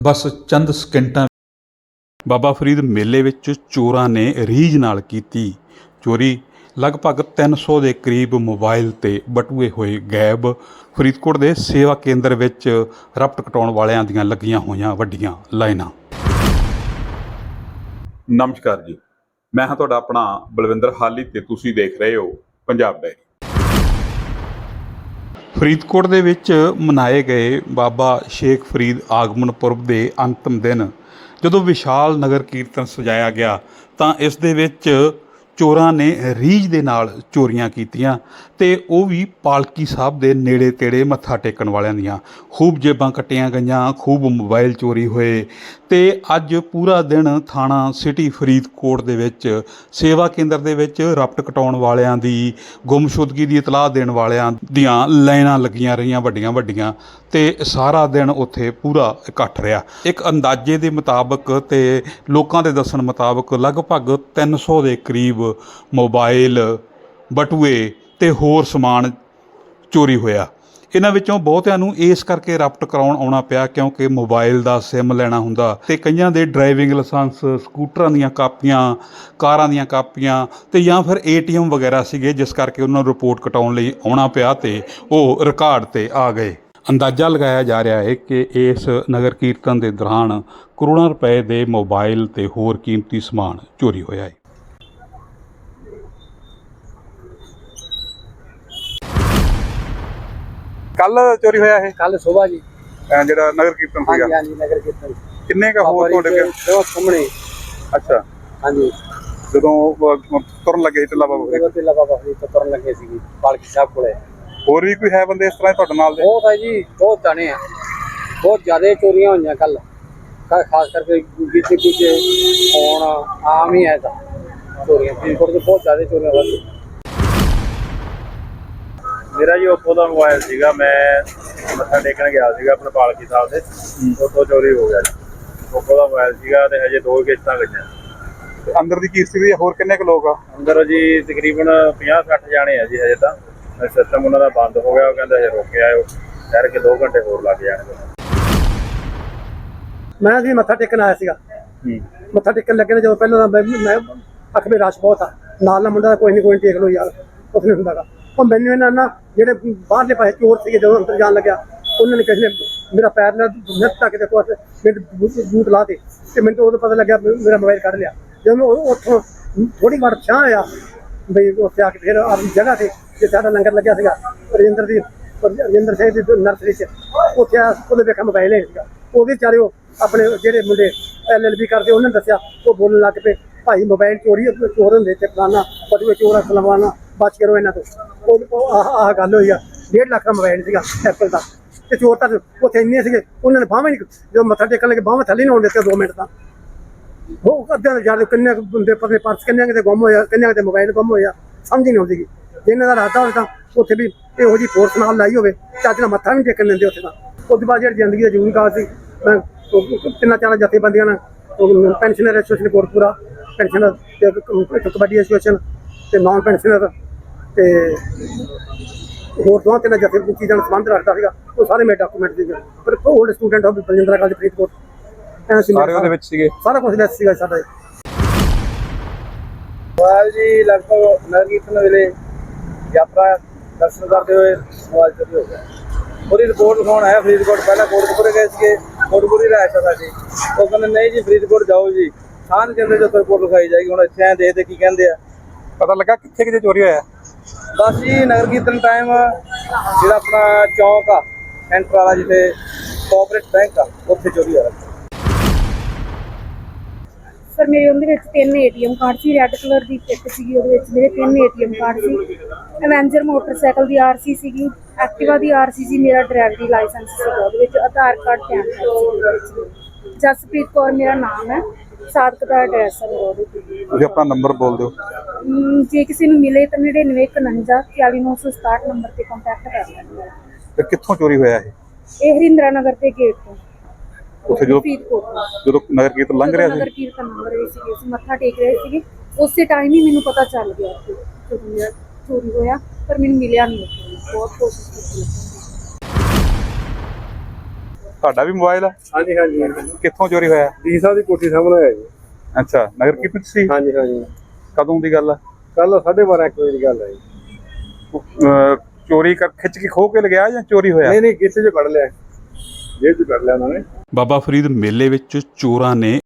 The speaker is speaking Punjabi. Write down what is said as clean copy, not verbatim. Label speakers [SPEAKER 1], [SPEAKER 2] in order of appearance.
[SPEAKER 1] ਬਸ ਚੰਦ ਸਕਿੰਟਾਂ ਬਾਬਾ ਫਰੀਦ ਮੇਲੇ ਵਿੱਚ ਚੋਰਾਂ ਨੇ ਰੀਝ ਨਾਲ ਕੀਤੀ ਚੋਰੀ। ਲਗਭਗ 300 ਦੇ ਕਰੀਬ ਮੋਬਾਈਲ ਤੇ ਬਟੂਏ ਹੋਏ ਗਾਇਬ। ਫਰੀਦਕੋਟ ਦੇ ਸੇਵਾ ਕੇਂਦਰ ਵਿੱਚ ਰਪਟ ਕਟਾਉਣ ਵਾਲਿਆਂ ਦੀਆਂ ਲੱਗੀਆਂ ਹੋਈਆਂ ਵੱਡੀਆਂ ਲਾਈਨਾਂ। ਨਮਸਕਾਰ ਜੀ, ਮੈਂ ਹਾਂ ਤੁਹਾਡਾ ਆਪਣਾ ਬਲਵਿੰਦਰ ਹਾਲੀ ਤੇ ਤੁਸੀਂ ਦੇਖ ਰਹੇ ਹੋ ਪੰਜਾਬ ਡਾਇਰੀ। ਫਰੀਦਕੋਟ ਦੇ ਵਿੱਚ ਮਨਾਏ ਗਏ ਬਾਬਾ ਸ਼ੇਖ ਫਰੀਦ ਆਗਮਨ ਪੁਰਬ ਦੇ ਅੰਤਿਮ ਦਿਨ ਜਦੋਂ ਵਿਸ਼ਾਲ ਨਗਰ ਕੀਰਤਨ ਸਜਾਇਆ ਗਿਆ ਤਾਂ ਇਸ ਦੇ ਵਿੱਚ ਚੋਰਾਂ ਨੇ ਰੀਝ ਦੇ ਨਾਲ ਚੋਰੀਆਂ ਕੀਤੀਆਂ ਤੇ ਉਹ ਵੀ ਪਾਲਕੀ ਸਾਹਿਬ ਦੇ ਨੇੜੇ ਤੇੜੇ ਮੱਥਾ ਟੇਕਣ ਵਾਲਿਆਂ ਦੀਆਂ। ਖੂਬ ਜੇਬਾਂ ਕੱਟੀਆਂ ਗਈਆਂ, ਖੂਬ ਮੋਬਾਈਲ ਚੋਰੀ ਹੋਏ ਤੇ ਅੱਜ ਪੂਰਾ ਦਿਨ ਥਾਣਾ ਸਿਟੀ ਫਰੀਦਕੋਟ ਦੇ ਵਿੱਚ ਸੇਵਾ ਕੇਂਦਰ ਦੇ ਵਿੱਚ ਰਪਟ ਕਟਾਉਣ ਵਾਲਿਆਂ ਦੀ, ਗੁੰਮਸ਼ੁਦਗੀ ਦੀ ਇਤਲਾਹ ਦੇਣ ਵਾਲਿਆਂ ਦੀਆਂ ਲਾਈਨਾਂ ਲੱਗੀਆਂ ਰਹੀਆਂ ਵੱਡੀਆਂ ਵੱਡੀਆਂ ਤੇ ਸਾਰਾ ਦਿਨ ਉੱਥੇ ਪੂਰਾ ਇਕੱਠ ਰਿਹਾ। ਇੱਕ ਅੰਦਾਜ਼ੇ ਦੇ ਮੁਤਾਬਕ ਤੇ ਲੋਕਾਂ ਦੇ ਦੱਸਣ ਮੁਤਾਬਕ ਲਗਭਗ 300 ਦੇ ਕਰੀਬ ਮੋਬਾਈਲ, ਬਟੂਏ ਤੇ ਹੋਰ ਸਮਾਨ ਚੋਰੀ ਹੋਇਆ। ਇਹਨਾਂ ਵਿੱਚੋਂ ਬਹੁਤਿਆਂ ਨੂੰ ਇਸ ਕਰਕੇ ਰਪਟ ਕਰਾਉਣ ਆਉਣਾ ਪਿਆ ਕਿਉਂਕਿ ਮੋਬਾਈਲ ਦਾ ਸਿਮ ਲੈਣਾ ਹੁੰਦਾ ਤੇ ਕਈਆਂ ਦੇ ਡਰਾਈਵਿੰਗ ਲਾਇਸੈਂਸ, ਸਕੂਟਰਾਂ ਦੀਆਂ ਕਾਪੀਆਂ, ਕਾਰਾਂ ਦੀਆਂ ਕਾਪੀਆਂ ਤੇ ਜਾਂ ਫਿਰ ATM ਵਗੈਰਾ ਸੀਗੇ, ਜਿਸ ਕਰਕੇ ਉਹਨਾਂ ਨੂੰ ਰਿਪੋਰਟ ਕਟਾਉਣ ਲਈ ਆਉਣਾ ਪਿਆ ਤੇ ਉਹ ਰਿਕਾਰਡ ਤੇ ਆ ਗਏ। ਅੰਦਾਜ਼ਾ ਲਗਾਇਆ ਜਾ ਰਿਹਾ ਹੈ ਕਿ ਇਸ ਨਗਰ ਕੀਰਤਨ ਦੇ ਦੌਰਾਨ ਕਰੋੜਾਂ ਰੁਪਏ ਦੇ ਮੋਬਾਈਲ ਤੇ ਹੋਰ ਕੀਮਤੀ ਸਮਾਨ ਚੋਰੀ ਹੋਇਆ ਹੈ। ਕੱਲ ਚੋਰੀ ਹੋਇਆ ਇਹ
[SPEAKER 2] ਕੱਲ ਸੁਬਾਹ ਜੀ
[SPEAKER 1] ਜਿਹੜਾ ਨਗਰ ਕੀਰਤਨ ਸੀਗਾ।
[SPEAKER 2] ਹਾਂਜੀ ਨਗਰ ਕੀਰਤਨ
[SPEAKER 1] ਕਿੰਨੇ ਕਾ ਹੋਰ ਤੁਹਾਡੇ
[SPEAKER 2] ਦੋ ਸਾਹਮਣੇ।
[SPEAKER 1] ਅੱਛਾ,
[SPEAKER 2] ਹਾਂਜੀ
[SPEAKER 1] ਜਦੋਂ ਤੁਰਨ ਲੱਗੇ ਟਿੱਲਾ ਬਾਬਾ ਫਰੀਦ,
[SPEAKER 2] ਟਿੱਲਾ ਬਾਬਾ ਫਰੀਦ ਤੋਂ ਤੁਰਨ ਲੱਗੇ ਸੀ ਪਾਲਕੀ ਸਾਹਿਬ ਕੋਲੇ।
[SPEAKER 1] ਹੋਰ ਵੀ ਕੋਈ ਹੈ ਬੰਦੇ ਇਸ ਤਰ੍ਹਾਂ ਤੁਹਾਡੇ ਨਾਲ ਦੇ?
[SPEAKER 2] ਬਹੁਤ ਹੈ ਜੀ, ਬਹੁਤ ਜਾਣੇ ਆ, ਬਹੁਤ ਜ਼ਿਆਦਾ ਚੋਰੀਆਂ ਹੋਈਆਂ ਕੱਲ। ਖਾਸ ਕਰਕੇ ਜਿੱਥੇ ਕੁਝ ਹੁਣ ਆਮ ਹੀ ਹੈ ਤਾਂ ਚੋਰੀਆਂ ਫਰੀਦਕੋਟ 'ਚ ਬਹੁਤ ਜ਼ਿਆਦਾ ਚੋਰੀਆਂ ਵੱਧ।
[SPEAKER 3] ਮੇਰਾ ਜੀ ਓਪੋ ਦਾ ਮੋਬਾਈਲ ਸੀਗਾ, ਮੈਂ ਮੱਥਾ ਟੇਕਣ ਗਿਆ ਸੀਗਾ ਆਪਣੇ ਪਾਲਕੀ ਸਾਹਿਬ ਦੇ, ਉੱਥੋਂ ਚੋਰੀ ਹੋ ਗਿਆ ਜੀ। ਓਪੋ ਦਾ ਮੋਬਾਈਲ ਸੀਗਾ ਤੇ ਹਜੇ 2 ਕਿਸ਼ਤਾਂ ਗਈਆਂ।
[SPEAKER 1] ਅੰਦਰ ਦੀ ਕੀ ਸਥਿਤੀ? ਹੋਰ ਕਿੰਨੇ ਕੁ ਲੋਕ ਆ
[SPEAKER 3] ਅੰਦਰ ਜੀ? ਤਕਰੀਬਨ 50-60 ਜਾਣੇ ਆ ਜੀ। ਹਜੇ ਤਾਂ ਸਿਸਟਮ ਉਹਨਾਂ ਦਾ ਬੰਦ ਹੋ ਗਿਆ, ਉਹ ਕਹਿੰਦਾ ਹਜੇ ਰੁਕ ਕੇ ਆਇਓ, ਠਹਿਰ ਕੇ 2 ਘੰਟੇ ਹੋਰ ਲੱਗ ਜਾਣਗੇ।
[SPEAKER 2] ਮੈਂ ਜੀ ਮੱਥਾ ਟੇਕਣ ਆਇਆ ਸੀਗਾ। ਮੱਥਾ ਟੇਕਣ ਲੱਗੇ ਨੇ ਜਦੋਂ ਪਹਿਲਾਂ ਤਾਂ ਮੈਂ ਅੱਖ ਵਿੱਚ ਰਸ਼ ਬਹੁਤ ਆ, ਨਾਲ ਮੁੰਡਾ ਕੋਈ ਨਹੀਂ ਟੇਕ ਲਓ ਯਾਰ, ਕੁਛ ਨਹੀਂ ਹੁੰਦਾ ਗਾ। ਉਹ ਮੈਨੂੰ ਇਹਨਾਂ ਨਾ ਜਿਹੜੇ ਬਾਹਰਲੇ ਪਾਸੇ ਚੋਰ ਸੀਗੇ ਜਦੋਂ ਅੰਦਰ ਜਾਣ ਲੱਗਿਆ, ਉਹਨਾਂ ਨੇ ਕਿਸੇ ਨੇ ਮੇਰਾ ਪੈਰ ਨਾਲ ਨੱਥ ਤੱਕ ਦੇ ਕੋਲ ਬੂਟ ਲਾ ਤੇ ਮੈਨੂੰ ਉਦੋਂ ਪਤਾ ਲੱਗਿਆ ਮੇਰਾ ਮੋਬਾਈਲ ਕੱਢ ਲਿਆ। ਜਦੋਂ ਉੱਥੋਂ ਥੋੜੀ ਵਾਰ ਛਾਂ ਆਇਆ ਬਈ ਉੱਥੇ ਆ ਕੇ ਫਿਰ ਆਪਣੀ ਜਗ੍ਹਾ ਤੇ ਜੇ ਸਾਡਾ ਲੰਗਰ ਲੱਗਿਆ ਸੀਗਾ ਰਜਿੰਦਰ ਸਿੰਘ ਦੀ ਨਰਸਰੀ 'ਚ, ਉੱਥੇ ਉਹਦੇ ਵੇਖਿਆ ਮੋਬਾਈਲ ਹੈ ਸੀਗਾ। ਉਹਦੇ ਵਿਚਾਰੇ ਉਹ ਆਪਣੇ ਜਿਹੜੇ ਮੁੰਡੇ LLB ਕਰਦੇ ਉਹਨਾਂ ਨੇ ਦੱਸਿਆ, ਉਹ ਬੋਲਣ ਲੱਗ ਪਏ ਭਾਈ ਮੋਬਾਈਲ ਚੋਰੀ, ਚੋਰ ਹੁੰਦੇ ਤੇ ਫਲਾਨਾ ਬਟੂਏ ਚੋਰ ਸਲਵਾਨਾ, ਬਚ ਕਰੋ ਇਹਨਾਂ ਤੋਂ। ਉਹ ਆਹ ਗੱਲ ਹੋਈ ਆ। 1.5 ਲੱਖ ਦਾ ਮੋਬਾਈਲ ਸੀਗਾ ਐਪਲ ਦਾ ਤੇ ਚੋਰ ਤਾਂ ਉੱਥੇ ਇੰਨੇ ਸੀਗੇ, ਉਹਨਾਂ ਨੇ ਬਾਹਾਂ ਨਹੀਂ, ਜਦੋਂ ਮੱਥਾ ਟੇਕਣ ਲੱਗੇ ਬਾਹਾਂ ਥੱਲੇ ਨਹੀਂ ਆਉਣ ਦਿੱਤੇ 2 ਮਿੰਟ ਤਾਂ। ਉਹ ਅੱਧਿਆਂ ਦੇ ਜਾਦੇ ਕਿੰਨੇ ਬੰਦੇ ਪਰਲੇ ਪਰਸ ਕਿੰਨੇ ਕਿਤੇ ਗੁੰਮ ਹੋਇਆ, ਕਿੰਨੇ ਕਿਤੇ ਮੋਬਾਈਲ ਗੁੰਮ ਹੋਇਆ, ਸਮਝ ਹੀ ਨਹੀਂ ਆਉਂਦੀ। ਜਿਹਨਾਂ ਦਾ ਰਾਤਾ ਹੋਵੇ ਤਾਂ ਉੱਥੇ ਵੀ ਇਹੋ ਜਿਹੀ ਫੋਰਸ ਨਾਲ ਲਾਈ ਹੋਵੇ, ਚੱਜ ਨਾਲ ਮੱਥਾ ਵੀ ਟੇਕਣ ਦਿੰਦੇ ਉੱਥੇ ਤਾਂ। ਉਸ ਤੋਂ ਬਾਅਦ ਜਿਹੜੀ ਜ਼ਿੰਦਗੀ ਦਾ ਜ਼ਰੂਰੀ ਕਾਲ ਸੀ, ਮੈਂ 3-4 ਜਥੇਬੰਦੀਆਂ ਨਾਲ ਪੈਨਸ਼ਨਰ ਐਸੋਸੀਏਸ਼ਨ ਕੋਟਪੂਰਾ, ਪੈਨਸ਼ਨਰ ਤੇ ਕਬੱਡੀ ਐਸੋਸੀਏਸ਼ਨ ਤੇ ਨਾਨ ਪੈਨਸ਼ਨਰ ਤੇ ਹੋਰ 2-3 ਚੀਜ਼ਾਂ ਨਾਲ ਸੰਬੰਧ ਰੱਖਦਾ ਸੀਗਾ। ਉਹ ਸਾਰੇ ਮੇਰੇ ਡਾਕੂਮੈਂਟ ਸੀਗੇ। ਪਰ old student of Baljindra college Faridkot ਸਾਰੇ ਉਹਦੇ ਵਿੱਚ ਸੀਗੇ, ਸਾਰਾ ਕੁਝ ਲੈਸ ਸੀਗਾ ਸਾਡਾ।
[SPEAKER 3] ਮੋਬਾਈਲ ਜੀ ਲਗਭਗ ਨਗਰ ਕੀਰਤਨ ਵੇਲੇ ਯਾਤਰਾ ਦਰਸ਼ਨ ਕਰਦੇ ਹੋਏ ਮੋਬਾਈਲ ਚੋਰੀ ਹੋ ਗਿਆ। ਉਹਦੀ ਰਿਪੋਰਟ ਲਿਖਾਉਣ ਆਇਆ ਫਰੀਦਕੋਟ। ਪਹਿਲਾਂ ਕੋਟਕਪੂਰੇ ਗਏ ਸੀਗੇ, ਕੋਟਕਪੂਰੇ ਰਾਇਸ਼ ਆ ਸਾਡੀ। ਉਹ ਕਹਿੰਦੇ ਨਹੀਂ ਜੀ ਫਰੀਦਕੋਟ ਜਾਓ ਜੀ, ਥਾਣ ਕਹਿੰਦੇ ਜਦੋਂ ਰਿਪੋਰਟ ਲਿਖਾਈ ਜਾਏਗੀ। ਹੁਣ ਇੱਥੇ ਆਏ ਦੇਖਦੇ ਕੀ ਕਹਿੰਦੇ ਆ।
[SPEAKER 1] ਪਤਾ ਲੱਗਾ ਕਿੱਥੇ ਕਿਤੇ ਚੋਰੀ ਹੋਇਆ?
[SPEAKER 3] ਬਸ ਜੀ ਨਗਰ ਕੀਰਤਨ ਟਾਈਮ ਜਿਹੜਾ ਆਪਣਾ ਚੌਂਕ ਆ ਸੈਂਟਰ ਵਾਲਾ, ਜਿੱਥੇ ਕੋਆਪਰੇਟ ਬੈਂਕ ਆ, ਉੱਥੇ ਚੋਰੀ ਹੋਇਆ।
[SPEAKER 4] ਸਰ ਮੇਰੇ ਉਹਦੇ ਵਿੱਚ 3 ATM ਕਾਰਡ ਸੀ, ਰੈੱਡ ਕਲਰ ਦੀ ਚਿੱਪ ਸੀਗੀ, ਉਹਦੇ ਵਿੱਚ ਮੇਰੇ 3 ATM ਕਾਰਡ ਸੀ, ਐਵੈਂਜਰ ਮੋਟਰਸਾਈਕਲ ਦੀ RC ਸੀਗੀ, ਐਕਟਿਵਾ ਦੀ RC ਸੀ, ਮੇਰਾ ਡਰਾਈਵਰੀ ਲਾਇਸੈਂਸ ਸੀਗਾ ਉਹਦੇ ਵਿੱਚ, ਆਧਾਰ ਕਾਰਡ ਪੈਨ ਕਾਰਡ ਸੀ। ਜਸਪ੍ਰੀਤ ਕੌਰ ਮੇਰਾ ਨਾਮ ਹੈ, ਸਾਦਕ ਦਾ ਐਡਰੈਸ ਹੈ ਮੇਰਾ ਉਹਦੇ 'ਤੇ।
[SPEAKER 1] ਤੁਸੀਂ ਆਪਣਾ ਨੰਬਰ ਬੋਲ ਦਿਓ।
[SPEAKER 4] ਜੇ ਕਿਸੇ ਨੂੰ ਮਿਲੇ ਤਾਂ 9951 44967 ਨੰਬਰ 'ਤੇ ਕੰਟੈਕਟ ਕਰ ਲੈਣਾ।
[SPEAKER 1] ਤੇ ਕਿੱਥੋਂ ਚੋਰੀ ਹੋਇਆ ਇਹ?
[SPEAKER 4] ਇਹ ਹਰਿੰਦਰਾ ਨਗਰ ਦੇ ਗੇਟ ਤੋਂ।
[SPEAKER 1] ਉੱਥੇ ਜਦੋਂ ਨਗਰ ਕੀਰਤਨ ਲੰਘ ਰਿਹਾ ਸੀ,
[SPEAKER 4] ਨਗਰ ਕੀਰਤਨ ਲੰਘ ਰਹੇ ਸੀਗੇ, ਅਸੀਂ ਮੱਥਾ ਟੇਕ ਰਹੇ ਸੀਗੇ, ਉਸੇ ਟਾਈਮ ਹੀ ਮੈਨੂੰ ਪਤਾ ਚੱਲ ਗਿਆ ਕਿ ਚੋਰੀ ਹੋਇਆ, ਪਰ ਮੈਨੂੰ ਮਿਲਿਆ ਨਹੀਂ। ਬਹੁਤ ਕੋਸ਼ਿਸ਼ ਕੀਤੀ।
[SPEAKER 1] ਤੁਹਾਡਾ ਵੀ ਮੋਬਾਈਲ ਆ?
[SPEAKER 3] ਹਾਂਜੀ ਹਾਂਜੀ
[SPEAKER 1] ਕਿੱਥੋਂ ਚੋਰੀ ਹੋਇਆ?
[SPEAKER 3] ਡੀ ਸਾਹਿਬ ਦੀ ਕੋਠੀ ਸਾਹਮਣੇ ਹੋਇਆ ਜੀ।
[SPEAKER 1] ਅੱਛਾ, ਨਗਰ ਕੀਰਤਨ 'ਚ ਸੀ?
[SPEAKER 3] ਹਾਂਜੀ ਹਾਂਜੀ
[SPEAKER 1] ਕਦੋਂ ਦੀ ਗੱਲ ਆ?
[SPEAKER 3] ਕੱਲ 12:30 1 ਵਜੇ ਦੀ ਗੱਲ ਹੈ ਜੀ।
[SPEAKER 1] ਚੋਰੀ ਕਰ ਖਿੱਚ ਕੇ ਖੋਹ ਕੇ ਲਗਿਆ ਜਾਂ ਚੋਰੀ ਹੋਇਆ?
[SPEAKER 3] ਨਹੀਂ ਕਿਸੇ ਚ ਕੱਢ ਲਿਆ, ਜੇਬ ਚ ਕੱਢ ਲਿਆ ਉਹਨਾਂ ਨੇ।
[SPEAKER 1] ਬਾਬਾ ਫਰੀਦ ਮੇਲੇ ਵਿੱਚ ਚੋਰਾਂ ਨੇ